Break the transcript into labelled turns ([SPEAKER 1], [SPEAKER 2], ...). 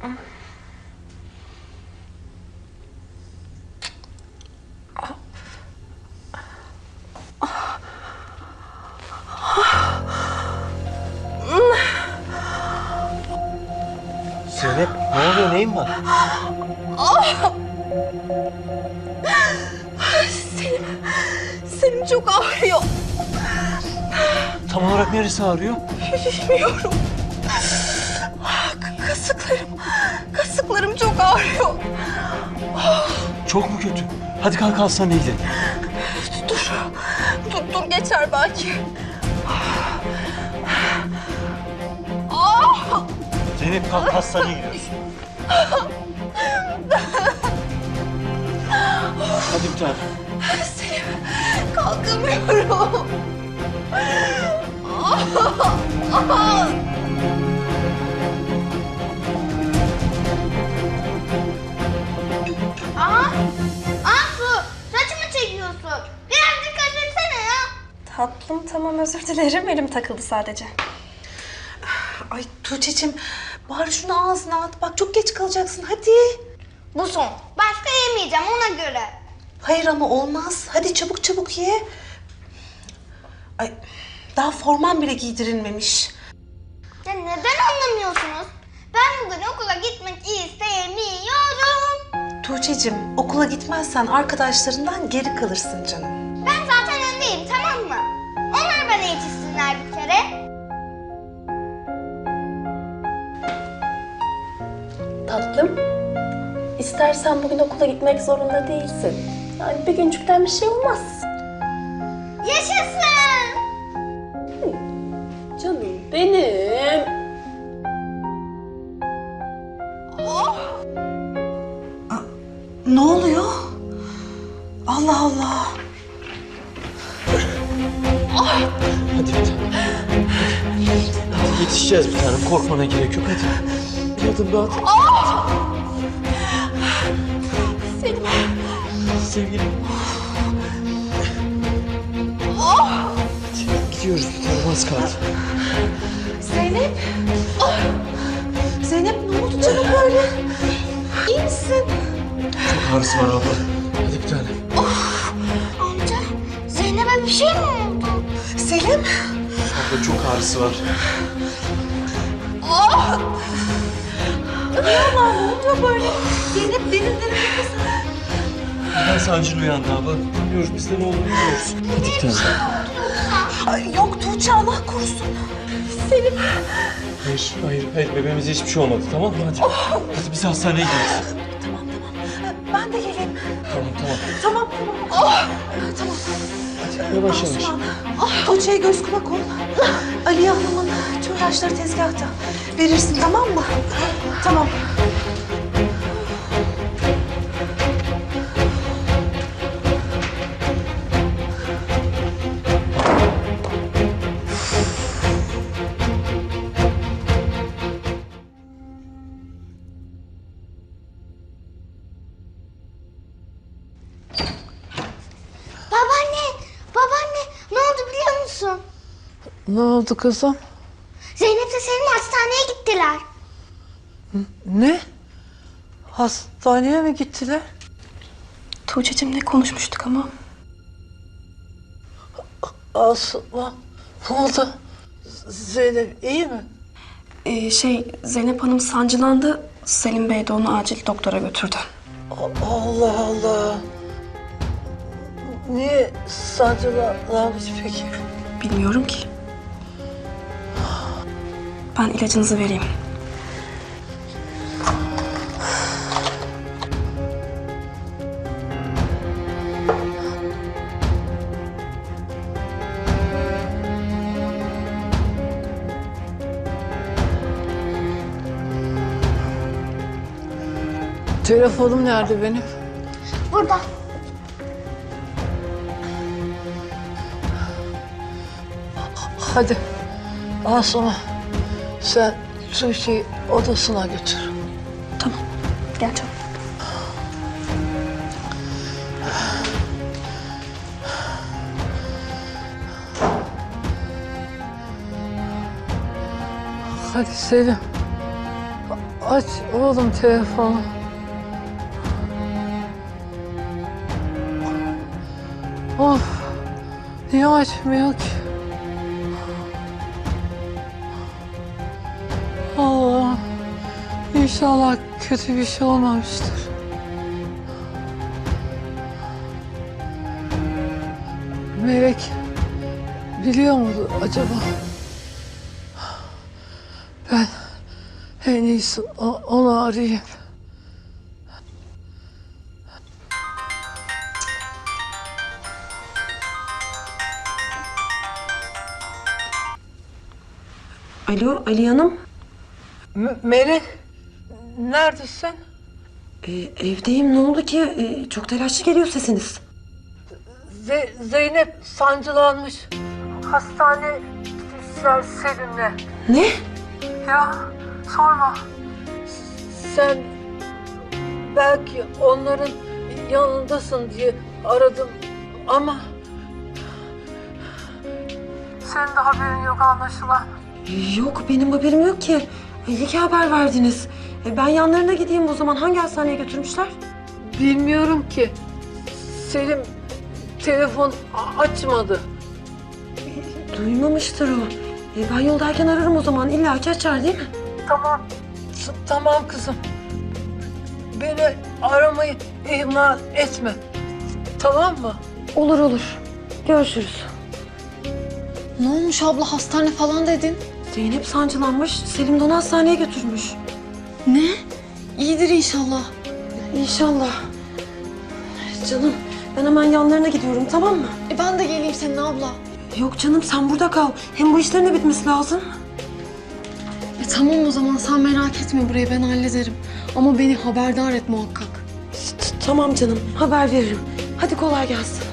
[SPEAKER 1] Zeynep, ne oluyor? Neyin var?
[SPEAKER 2] Selim çok ağrıyor.
[SPEAKER 1] Tam olarak neresi ağrıyor?
[SPEAKER 2] Bilmiyorum. Kasıklarım çok ağrıyor.
[SPEAKER 1] Çok mu kötü? Hadi kalk hastaneye gidelim.
[SPEAKER 2] Dur geçer belki.
[SPEAKER 1] Zeynep kalk hastaneye gidiyoruz. Hadi bir tane.
[SPEAKER 2] Selim, kalkamıyorum.
[SPEAKER 3] Su, saçımı çekiyorsun. Biraz dikkat etsene ya.
[SPEAKER 4] Tatlım tamam özür dilerim. Elim takıldı sadece.
[SPEAKER 2] Ay Tuğçe'cim, bari şunu ağzına at. Bak çok geç kalacaksın, hadi.
[SPEAKER 3] Bu son. Başka yemeyeceğim ona göre.
[SPEAKER 2] Hayır ama olmaz. Hadi çabuk ye. Ay, daha forman bile giydirilmemiş.
[SPEAKER 3] Ya neden anlamıyorsunuz? Ben bugün okula gitmek istemiyorum.
[SPEAKER 2] Tuğçe'cim, okula gitmezsen arkadaşlarından geri kalırsın canım.
[SPEAKER 3] Ben zaten öndeyim, tamam mı? Onlar bana yetişsinler bir kere.
[SPEAKER 4] Tatlım. İstersen bugün okula gitmek zorunda değilsin. Yani bir güncükten bir şey olmaz.
[SPEAKER 3] Yaşasın!
[SPEAKER 4] Canım benim.
[SPEAKER 2] Ne oluyor? Allah Allah.
[SPEAKER 1] Hadi bir tane. Hadi yetişeceğiz bir tane. Korkmana gerek yok. Hadi. Bir adım daha at.
[SPEAKER 2] Selim.
[SPEAKER 1] Sevgilim. Hadi gidiyoruz bir tane. Az kaldı.
[SPEAKER 2] Zeynep. Zeynep ne oldu canım böyle? İyi misin?
[SPEAKER 1] Çok ağrısı var abla. Hadi bir tane.
[SPEAKER 3] Amca, Zeynep'e bir şey mi oldu?
[SPEAKER 2] Selim.
[SPEAKER 1] Abla çok ağrısı var.
[SPEAKER 2] Ne oluyor böyle? Zeynep derin nefes al.
[SPEAKER 1] Ben sancılı uyandı abla. Bilmiyoruz biz de ne olduğunu bilmiyoruz. Hadi bir tane.
[SPEAKER 2] Ay, yok Tuğçe, Allah korusun. Selim.
[SPEAKER 1] Hayır. Bebeğimize hiçbir şey olmadı, tamam mı? Hadi. Hadi biz hastaneye gidiyoruz.
[SPEAKER 2] Tamam. Ben de geleyim.
[SPEAKER 1] Tamam.
[SPEAKER 2] Tamam. Tamam.
[SPEAKER 1] Hadi yavaş.
[SPEAKER 2] Tuğçe'ye göz kulak ol. Aliye Hanım'ın tüm ilaçları tezgahta. Verirsin, tamam mı? Tamam.
[SPEAKER 3] Babaanne, ne oldu biliyor musun?
[SPEAKER 5] Ne oldu kızım?
[SPEAKER 3] Zeynep'le Selim hastaneye gittiler.
[SPEAKER 5] Ne? Hastaneye mi gittiler?
[SPEAKER 4] Tuğçe'cim ne konuşmuştuk ama?
[SPEAKER 5] Asma. Ne oldu? Zeynep iyi mi?
[SPEAKER 4] Zeynep Hanım sancılandı. Selim Bey de onu acil doktora götürdü.
[SPEAKER 5] Allah Allah. Niye sancılanmış peki?
[SPEAKER 4] Bilmiyorum ki. Ben ilacınızı vereyim.
[SPEAKER 5] Telefonum nerede benim?
[SPEAKER 3] Burada.
[SPEAKER 5] Hadi. Asma. Sen Tuğçe'yi odasına götür.
[SPEAKER 4] Tamam. Gel canım.
[SPEAKER 5] Hadi Selim. Aç oğlum telefonu. Of. Niye açmıyor ki? Allah. İnşallah kötü bir şey olmamıştır. Melek biliyor mudur acaba? Ben en iyisi onu arayayım.
[SPEAKER 6] Alo, Ali Hanım.
[SPEAKER 5] Melek, neredesin?
[SPEAKER 6] Evdeyim. Ne oldu ki? Çok telaşlı geliyor sesiniz.
[SPEAKER 5] Zeynep sancılanmış. Hastane gitmişler Selim'le.
[SPEAKER 6] Ne?
[SPEAKER 5] Ya sorma. Sen belki onların yanındasın diye aradım ama senin de haberin yok anlaşılan.
[SPEAKER 6] Yok, benim haberim yok ki. İyi ki haber verdiniz. Ben yanlarına gideyim o zaman. Hangi hastaneye götürmüşler?
[SPEAKER 5] Bilmiyorum ki. Selim telefon açmadı.
[SPEAKER 6] Duymamıştır o. Ben yoldayken ararım o zaman. İlla ki açar değil mi?
[SPEAKER 5] Tamam. Tamam kızım. Beni aramayı ihmal etme. Tamam mı?
[SPEAKER 6] Olur olur. Görüşürüz.
[SPEAKER 2] Ne olmuş abla, hastane falan dedin?
[SPEAKER 6] Zeynep sancılanmış. Selim de onu hastaneye götürmüş.
[SPEAKER 2] Ne? İyidir inşallah.
[SPEAKER 6] İnşallah. Canım, ben hemen yanlarına gidiyorum, tamam mı?
[SPEAKER 2] Ben de geleyim senin abla.
[SPEAKER 6] Yok canım, sen burada kal. Hem bu işlerin de bitmesi lazım.
[SPEAKER 2] Tamam o zaman, sen merak etme, burayı ben hallederim. Ama beni haberdar et muhakkak.
[SPEAKER 6] Tamam canım, haber veririm. Hadi kolay gelsin.